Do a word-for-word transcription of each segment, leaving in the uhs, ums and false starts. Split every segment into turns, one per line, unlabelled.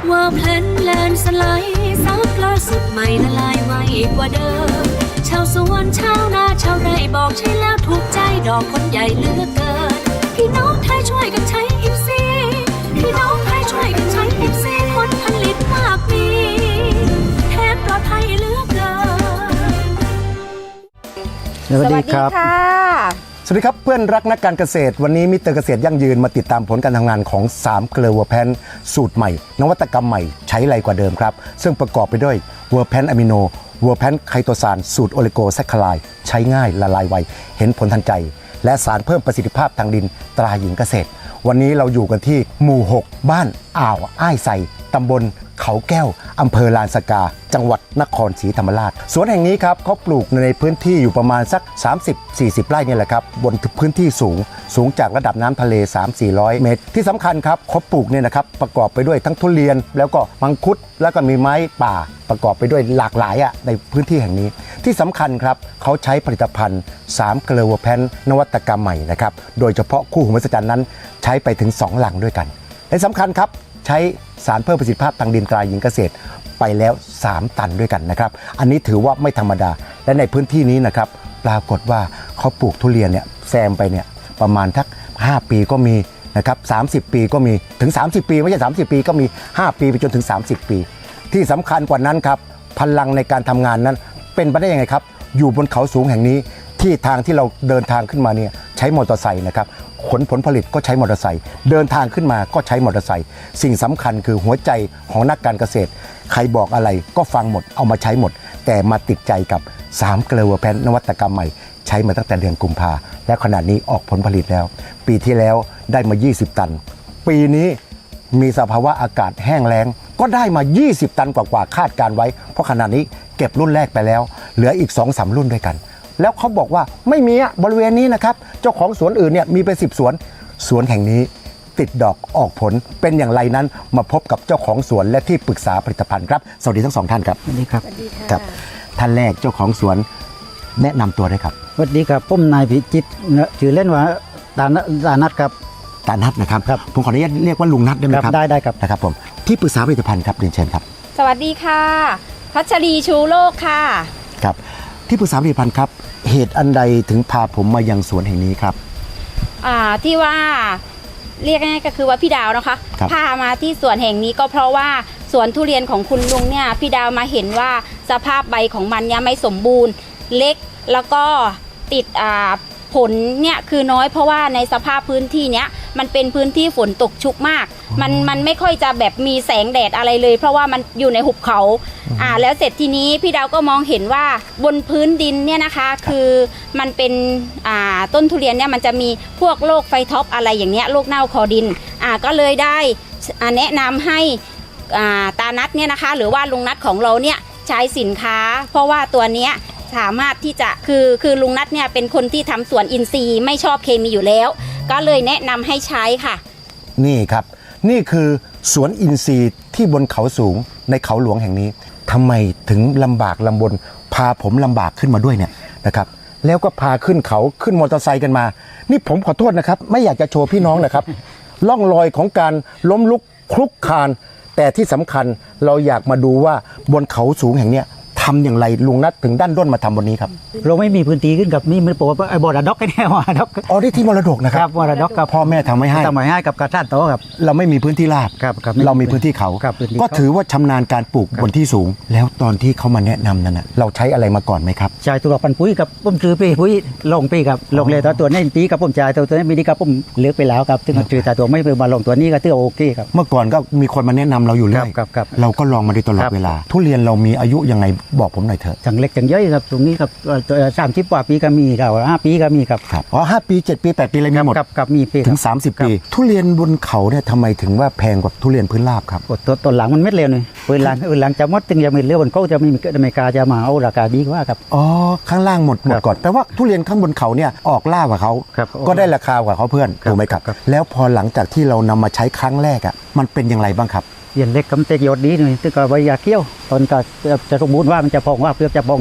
ว่าแพลนแลนสไลด์ซับล่าสุดใหม่ละลายไวกว่าเดิมชาวสวนชาวนาชาวไร่บอกใช่แล้วถูกใจดอกคนใหญ่เหลือกเกินพี่น้องไทยช่วยกันใช้อิฟซีพี่น้องไทยช่วยกันใช้อิฟซีผลผลิตมากมีแทนปลอดภัยเหลือกเกิน
สวัสดีครับสวัสดีครับเพื่อนรักนักการเกษตรวันนี้มิสเตอร์เกษตรยั่งยืนมาติดตามผลการทำงานของสามเกลือเวอร์แพนสูตรใหม่นวัตกรรมใหม่ใช้ไรกว่าเดิมครับซึ่งประกอบไปด้วยเวอร์แพนอะมิโนเวอร์แพนไคโตซานสูตรโอลิโกแซคคาไลด์ใช้ง่ายละลายไวเห็นผลทันใจและสารเพิ่มประสิทธิภาพทางดินตราหญิงเกษตรวันนี้เราอยู่กันที่หมู่หกบ้านอ่าวอ้ายไซตำบลเขาแก้วอำเภอลานสกาจังหวัดนครศรีธรรมราชสวนแห่งนี้ครับเขาปลูกในพื้นที่อยู่ประมาณสัก สามสิบถึงสี่สิบ ไร่นี่แหละครับบนพื้นที่สูงสูงจากระดับน้ำทะเล สามถึงสี่ร้อย เมตรที่สำคัญครับเขาปลูกเนี่ยนะครับประกอบไปด้วยทั้งทุเรียนแล้วก็มังคุดแล้วก็มีไม้ป่าประกอบไปด้วยหลากหลายอ่ะในพื้นที่แห่งนี้ที่สำคัญครับเขาใช้ผลิตภัณฑ์สามเกลือเวอร์แพนนวัตกรรมใหม่นะครับโดยเฉพาะคู่หูมหัศจรรย์นั้นใช้ไปถึงสองหลังด้วยกันและสำคัญครับใช้สารเพิ่มประสิทธิภาพทางดินตราหญิงเกษตรไปแล้วสามตันด้วยกันนะครับอันนี้ถือว่าไม่ธรรมดาและในพื้นที่นี้นะครับปรากฏว่าเขาปลูกทุเรียนเนี่ยแซมไปเนี่ยประมาณทักห้าปีก็มีนะครับสามสิบปีก็มีถึงสามสิบปีไม่ใช่สามสิบปีก็มีห้าปีไปจนถึงสามสิบปีที่สำคัญกว่านั้นครับพลังในการทำงานนั้นเป็นไปได้ยังไงครับอยู่บนเขาสูงแห่งนี้ที่ทางที่เราเดินทางขึ้นมาเนี่ยใช้มอเตอร์ไซค์นะครับขนผลผลิตก็ใช้มอเตอร์ไซค์เดินทางขึ้นมาก็ใช้มอเตอร์ไซค์สิ่งสำคัญคือหัวใจของนักการเกษตรใครบอกอะไรก็ฟังหมดเอามาใช้หมดแต่มาติดใจกับสามเกลือเวอร์แพนนวัตกรรมใหม่ใช้มาตั้งแต่เดือนกุมภาและขณะนี้ออกผลผลิตแล้วปีที่แล้วได้มายี่สิบตันปีนี้มีสภาวะอากาศแห้งแล้งก็ได้มายี่สิบตันกว่าๆคาดการไว้เพราะขณะนี้เก็บรุ่นแรกไปแล้วเหลืออีก สองถึงสาม รุ่นด้วยกันแล้วเขาบอกว่าไม่มีบริเวณนี้นะครับเจ้าของสวนอื่นเนี่ยมีเป็นสิบสวนสวนแห่งนี้ติดดอกออกผลเป็นอย่างไรนั้นมาพบกับเจ้าของสวนและที่ปรึกษาผลิตภัณฑ์ครับสวัสดีทั้งสองท่านครับ
สวัสดีครับ
ครับท่านแรกเจ้าของสวนแนะนำตัวได้ครับ
สวัสดีครับผมนายพิจิตรชื่อเล่นว่าตาตานัทครับ
ตานัทนะครับผมขออนุญาตเรียกว่าลุงนัทได้ไหมครับ
ได้ได้ครับ
นะครับผมที่ปรึกษาผลิตภัณฑ์ครับเรียนเชิญครับ
สวัสดีค่ะพัชรีชูโลกค่ะ
ครับที่ปรึกษาผลิตภัณฑ์ครับเหตุอันใดถึงพาผมมายังสวนแห่งนี้ครับ
อ่าที่ว่าเรียกง่ายๆก็คือว่าพี่ดาวนะคะพามาที่สวนแห่งนี้ก็เพราะว่าสวนทุเรียนของคุณลุงเนี่ยพี่ดาวมาเห็นว่าสภาพใบของมันเนี่ยไม่สมบูรณ์เล็กแล้วก็ติดอ่าผลเนี่ยคือน้อยเพราะว่าในสภาพพื้นที่เนี้ยมันเป็นพื้นที่ฝนตกชุกมากมันมันไม่ค่อยจะแบบมีแสงแดดอะไรเลยเพราะว่ามันอยู่ในหุบเขาอ่าแล้วเสร็จทีนี้พี่ดาวก็มองเห็นว่าบนพื้นดินเนี่ยนะคะคือมันเป็นอ่าต้นทุเรียนเนี่ยมันจะมีพวกโรคไฟท็อปอะไรอย่างเงี้ยโรคเน่าคอดินอ่าก็เลยได้แนะนำให้อ่าตานัทเนี่ยนะคะหรือว่าลุงนัทของเราเนี่ยใช้สินค้าเพราะว่าตัวเนี้ยสามารถที่จะคือคือลุงนัทเนี่ยเป็นคนที่ทำสวนอินทรีย์ไม่ชอบเคมีอยู่แล้วก็เลยแนะนำให้ใช้ค่ะ
นี่ครับนี่คือสวนอินทรีย์ที่บนเขาสูงในเขาหลวงแห่งนี้ทำไมถึงลำบากลำบนพาผมลำบากขึ้นมาด้วยเนี่ยนะครับแล้วก็พาขึ้นเขาขึ้นมอเตอร์ไซค์กันมานี่ผมขอโทษนะครับไม่อยากจะโชว์พี่น้องนะครับล่องรอยของการล้มลุกคลุกคลานแต่ที่สำคัญเราอยากมาดูว่าบนเขาสูงแห่งเนี้ยทำอย่างไรลุงนัทถึงด้านด้นมาทำบนนี้ครับ
เราไม่มีพื้นที่ขึ้นกับนี่มันบอกว่าไอ้บอระดอกแค่บอระดอก
อ๋อได้ที่มรดกนะครับ
บอระดอกกับ
พ่อแม่ทำไม่ให้
ทำไม่ให้กับกระท่านโตครับ
เราไม่มีพื้นที่ราบเรามีพื้นที่เขาก็ถือว่าชำนาญการปลูกบนที่สูงแล้วตอนที่เขามาแนะนำนั้นนะเราใช้อะไรมาก่อนไหมครับ
ใช้ตัวปันปุ๋ยกับปุ่มซื้อปีปุ๋ยลงปีกับลงเลยตัวตัวนี้ปีกับปุ่มจ่ายตัวตัวนี้มีดีกับปุ่มเลือกไปแล้วครับถึงจืดแต่ตัวไม่ไปมาลงตัวนี้ก็ถือโอเคครับ
เมื่อก่อนก็มีคนมาแนะนำเราอยู่เรื่อยเราก็ลองมาโดยตลอดเวลาทุเรียนเรามีอายุยังไงบอกผมหน่อยเถอะ
จังเล็กจังย่อยครับตรงนี้ครับสามสิบกว่าปีก็มีครับห้าปีก็มีครับ
ครับอ๋อห้าปีเจ็ดปีแปดปีอะไรมีหมด
กับมีปี
ถึงสามสิบปีทุเรียนบนเขาเนี่ยทำไมถึงว่าแพงกว่าทุเรียนพื้นราบครับ
ตัวต้นหลังมันเม็ดเร็วเลยปืนหลังปืนหลังจะมดตึงยังมีเลี้ยวบนเขาจะไม่มีอเมริกาจะมาเอาราคาดีกว่าครับ
อ๋อข้างล่างหมดหมดก่อนแต่ว่าทุเรียนข้างบนเขาเนี่ยออกล่ากว่าเขาก็ได้ราคากว่าเขาเพื่อนถูกไหมครับแล้วพอหลังจากที่เรานำมาใช้ครั้งแรกอ่ะมันเป็นอย่างไรบ้างครับ
เย็นเล็กกำเตกยอดดีหน่อยตึกก็ใบยาเกี้ยวตอนก็จะสมบูรณ์ว่ามันจะพองว่าเพื่อจะพอง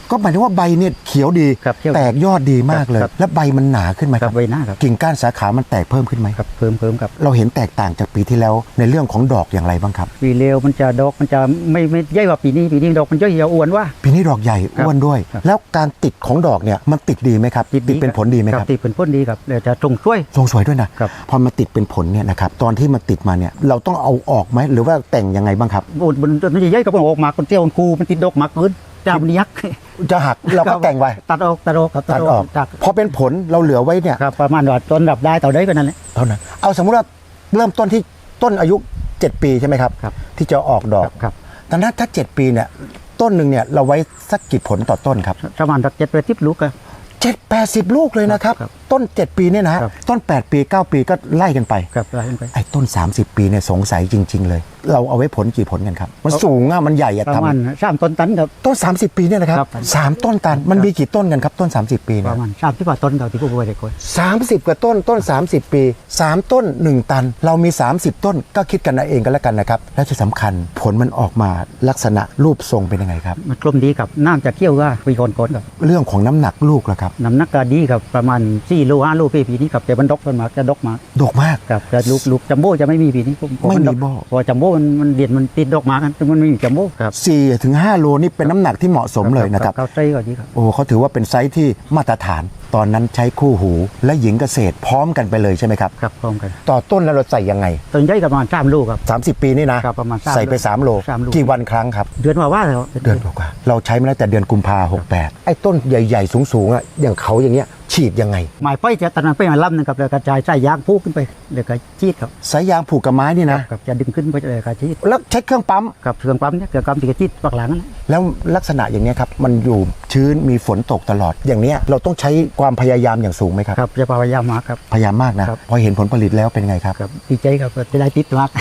ก็หมายถึงว่าใบเนี่ยเขียวดี
ครับเขียว
แตกยอดดีมากเลย
ครับ
แล้วใบมันหนาขึ้นไหม
ค
ค
รั
รั
บบ ใบหน้าครับ
กิ่งก้านสาขามันแตกเพิ่มขึ้นไหม
ครับเพิ่มเพิ่มครับ
เราเห็นแตกต่างจากปีที่แล้วในเรื่องของดอกอย่างไรบ้างครับ
ปีเร็วมันจะดอกมันจะไม่ไม่ใหญ่กว่าปีนี้ปีนี้ดอกมันจะอ้วนว่า
ปีนี้ดอกใหญ่
ครับ
อ้วนด้วย
ครับ
แล้วการติดของดอกเนี่ยมันติดดีไหมครับติดเป็นผลดีไหมครับ
ติดเป็นผลดีครับเดี๋ยวจะตรงช่วย
ทรงสวยด้วยนะครับ พอมาติดเป็นผลเนี่ยนะครับตอนที่มันติดมาเนี่ยเราต้องเอาออกไหมหรือว่าแต่งยังไงบ้างครับ
โอ้มันมันจะใหญ่กับมันออกมาคนเตี้ยวคนคูมันติดดอกมากเกินจามนยักษ์
จะหักเราก็แต่งไว้
ตัดออกตัดออกครับ
ตัดออก
ตัด
พอเป็นผลเราเหลือไว้เนี่ย
ครับประมาณว่าต้นดับได้ต่อได้ก็นั่นแหละ
เท่านั้นเอาสมมุติว่าเริ่มต้นที่ต้นอายุเจ็ดปีใช่ไหมครับ
ครับ
ที่จะออกดอก
ครับ
แต่ถ้าถ้าเจ็ดปีเนี่ยต้นหนึ่งเนี่ยเราไว้สักกี่ผลต่อต้นครับ
ประมาณสักเจ็ดไปทิพลูกอะ
เจ็ดแปดสิบลูกเลยนะครับ
ครับ
ต้นเจ็ดปีเนี่ยนะครับ ต้นแปดปีเก้าปีก็ไล่กันไป
ครับไล่ขึ้นไป
ไอ้ต้นสามสิบปีเนี่ยสงสัยจริง ๆ เลย เราเอาไว้ผลกี่ผลกันครับมันสูงอะมันใหญ่อะ
ประมาณ
ทำ
สามต้นตันครับ
ต้นสามสิบปีเนี่ยนะครับ
ครับ
สามต้นตันมันมีกี่ต้นกันครับต้นสามสิบปี
ป
เนี่ย
ระมาณสามที่ว่าต้นเราที่ผู้บริโภค
สามสิบกว่าต้นต้นสามสิบปีสามต้นหนึ่งตัน เรามีสามสิบต้นก็คิดกันเอาเองกันแล้วกันนะครับและที่สำคัญผลมันออกมาลักษณะรูปทรงเป็นยังไงครับ
มันกลมดีครับน้ำจะเคี่ยวก็ปีก่อนๆครับ
เรื่องของน้ำหนักลูกล่ะครับ
น้ำหนักก็ดีครับประมาณสี่โลห้าโลปีปีนี้ครับแต่มันดกมันมาจะดกมา
ดกมาก
ครับแต่ลูกลูกจัมโบ้จะไม่มีปีนี้ผมผ
ไม่มี
นดก
โบ้
เพอจัมโบ้มันมันเด่นมันติดดอกมากันแต่มันไม่มีจัมโบ้ครับ
สี่ถึงห้าโลนี่เป็นน้ำหนักที่เหมาะสมเลยนะครับ
เขาใส่ก็ดีครับ
โอ้เขาถือว่าเป็นไซส์ที่มาตรฐาน ตอนนั้นใช้คู่หูและหญิงเกษตรพร้อมกันไปเลยใช่ไหมครับ
ครับพร้อมกัน
ต่อต้นแล้วเราใส่ยังไง
ต้นใหญ่กับประมาณสามลูกครับ
สามสิบปีนี่นะครับ
ประมาณสาม
ใส่ไปสามโล
สามโล
กี่วันครั้งครับ
เดือนว่าว่าแล้ว
เดือนกว่าๆเราใช้มาตั้งแต่เดือนกุมภาหกแปดไอ้ต้นใหญ่ๆสูงๆอ่ะอย่างเขาอย่างเงี้ยฉีดยังไง
หมายไปจะตอนนั้นไปมาล่ำหนึงครับแล้วกระจายใส่ยางพูขึ้นไปเดี๋ยวก็ชีดครับ
สายยางผูกกับไม้นี่นะ
ครับจะดึงขึ้นไปเลยกระชีด
แล้วใช้เครื่องปั๊ม
กับเครื่องปั๊มเนี่ยเครื่องปั๊มที่กระชีดปักหลังนั่นแหละ
แล้วลักษณะอย่างเนี้ยครับมันอยู่ชื้นมีฝนตกตลอด อย่างเนี้ยเราต้องใช้ความพยายามอย่างสูงไหมครับ
ครับจะพยายามมาครับ
พยายามมากนะครับ พอเห็นผลผลิตแล้วเป็นไงครับ
ครับดีใจครับจะได้ติดมาก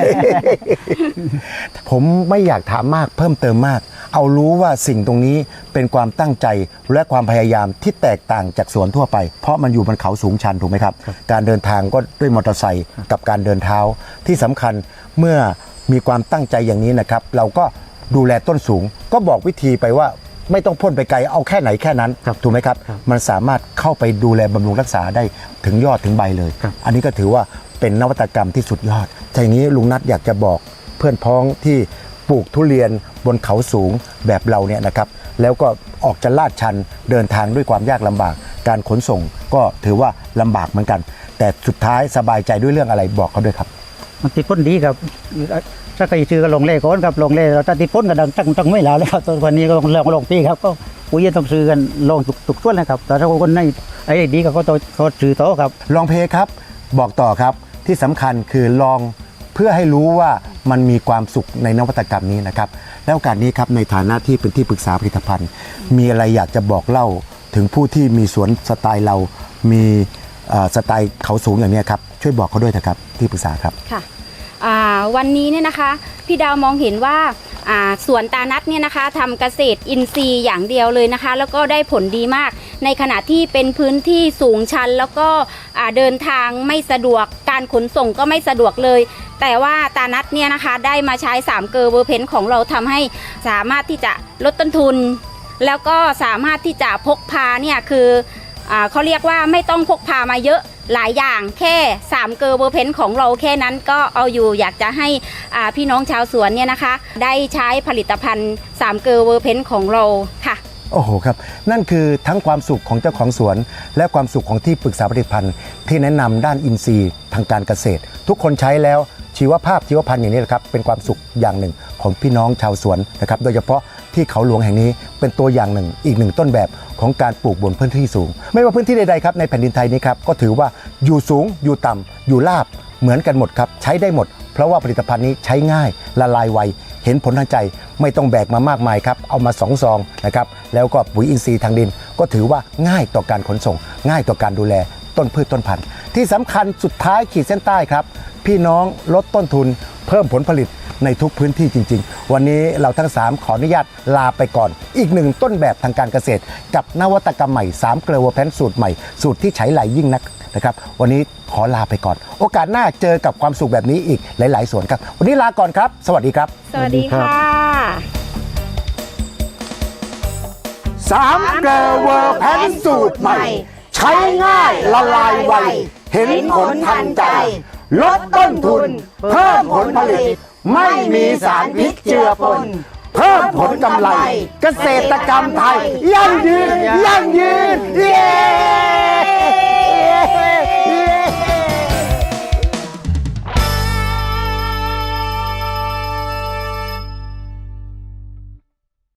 ผมไม่อยากถามมากเพิ่มเติมมาก เอารู้ว่าสิ่งตรงนี้เป็นความตั้งใจและความพยายามที่แตกต่างจากสวนทั่วไป เพราะมันอยู่บนเขาสูงชันถูกไหมครับ
ครับ
การเดินทางก็ด้วยมอเตอร์ไซค์กับการเดินเท้าที่สำคัญเมื่อมีความตั้งใจอย่างนี้นะครับ เราก็ดูแลต้นสูง ก็บอกวิธีไปว่าไม่ต้องพ่นไปไกลเอาแค่ไหนแค่นั้น
ครับ
ถูกไหมครับ
ครับ
มันสามารถเข้าไปดูแลบำรุงรักษาได้ถึงยอดถึงใบเลย
ครับ
อันนี้ก็ถือว่าเป็นนวัตกรรมที่สุดยอดแต่อย่างนี้ลุงนัทอยากจะบอกเพื่อนพ้องที่ปลูกทุเรียนบนเขาสูงแบบเราเนี่ยนะครับ แล้วก็ออกจะลาดชันเดินทางด้วยความยากลำบาก การขนส่งก็ถือว่าลำบากเหมือนกัน แต่สุดท้ายสบายใจด้วยเรื่องอะไรบอกเขาด้วยครับ
มันติดพ่นดีครับถ้าใครซื้อก็ลงเล่ก่อนครับลงเล่เราถ้าติดพ่นก็ดังตั้งตั้งไม่แล้วเลยครับตัววันนี้ก็ลงลงลงปีครับก็ปุ๋ยต้องซื้อกันลงตุกตุกต้นเลยครับแต่ถ้าคนในไอ้ดีก็เขาต้องเขาซื้อโต๊ะครับ
ลองเพลย์ครับบอกต่อครับที่สำคัญคือลองเพื่อให้รู้ว่ามันมีความสุขในนวัตกรรมนี้นะครับแล้วโอกาสนี้ครับในฐานะที่เป็นที่ปรึกษาผลิตภัณฑ์ มีอะไรอยากจะบอกเล่าถึงผู้ที่มีสวนสไตล์เรา มีเอ่อสไตล์เขาสูงอย่างนี้ครับช่วยบอกเขาด้วยนะครับที่ปรึกษาครับ
ค่ะอ่าวันนี้เนี่ยนะคะพี่ดาวมองเห็นว่าอ่าสวนตานัทเนี่ยนะคะทำเกษตรอินทรีย์อย่างเดียวเลยนะคะ แล้วก็ได้ผลดีมาก ในขณะที่เป็นพื้นที่สูงชัน แล้วก็อ่าเดินทางไม่สะดวกการขนส่งก็ไม่สะดวกเลย แต่ว่าตานัทเนี่ยนะคะได้มาใช้สามเกอร์เวอร์เพนของเราทำให้สามารถที่จะลดต้นทุน แล้วก็สามารถที่จะพกพาเนี่ยคืออ่าเขาเรียกว่าไม่ต้องพกพามาเยอะหลายอย่างแค่สามเกอร์เวอร์เพนของเราแค่นั้นก็เอาอยู่อยากจะให้อ่าพี่น้องชาวสวนเนี่ยนะคะได้ใช้ผลิตภัณฑ์สามเกอร์เวอร์เพนของเราค่ะ
โอ้โหครับนั่นคือทั้งความสุขของเจ้าของสวน และความสุขของที่ปรึกษาผลิตภัณฑ์ที่แนะนำด้านอินทรีย์ทางการเกษตร ทุกคนใช้แล้วชีวภาพชีวพันธุ์อย่างนี้แหละครับเป็นความสุขอย่างหนึ่งของพี่น้องชาวสวนนะครับโดยเฉพาะที่เขาหลวงแห่งนี้เป็นตัวอย่างหนึ่งอีกหนึ่งต้นแบบของการปลูกบนพื้นที่สูง ไม่ว่าพื้นที่ใดๆครับในแผ่นดินไทยนี้ครับก็ถือว่าอยู่สูงอยู่ต่ำอยู่ราบเหมือนกันหมดครับใช้ได้หมด เพราะว่าผลิตภัณฑ์นี้ใช้ง่ายละลายไวเห็นผลทางใจไม่ต้องแบกมามากมายครับเอามาสองซองนะครับแล้วก็ปุ๋ยอินทรีย์ทางดินก็ถือว่าง่ายต่อการขนส่ง ง่ายต่อการดูแลต้นพืชต้นพันธุ์ที่สำคัญสุดท้ายขีดเส้นใต้ครับพี่น้องลดต้นทุนเพิ่มผลผลิตในทุกพื้นที่จริงๆวันนี้เราทั้งสามขออนุญาตลาไปก่อนอีกหนึ่งต้นแบบทางการเกษตรกับนวัตกรรมใหม่สามเกลือวัวแพนสูตรใหม่สูตรที่ใช้ไหลยิ่งนักนะครับวันนี้ขอลาไปก่อนโอกาสหน้าเจอกับความสุขแบบนี้อีกหลายๆสวนครับวันนี้ลาก่อนครับสวัสดีครับ
สวัสดีค่ะ
สามเกลอเวอร์แพนสูตรใหม่ ใช้ง่ายละลายไวเห็นผลทันใจ ลดต้นทุน เพิ่มผลผลิต ไม่มีสารพิษเจือปน เพิ่มผลกำไร เกษตรกรรมไทยยั่งยืนยั่งยืนเย้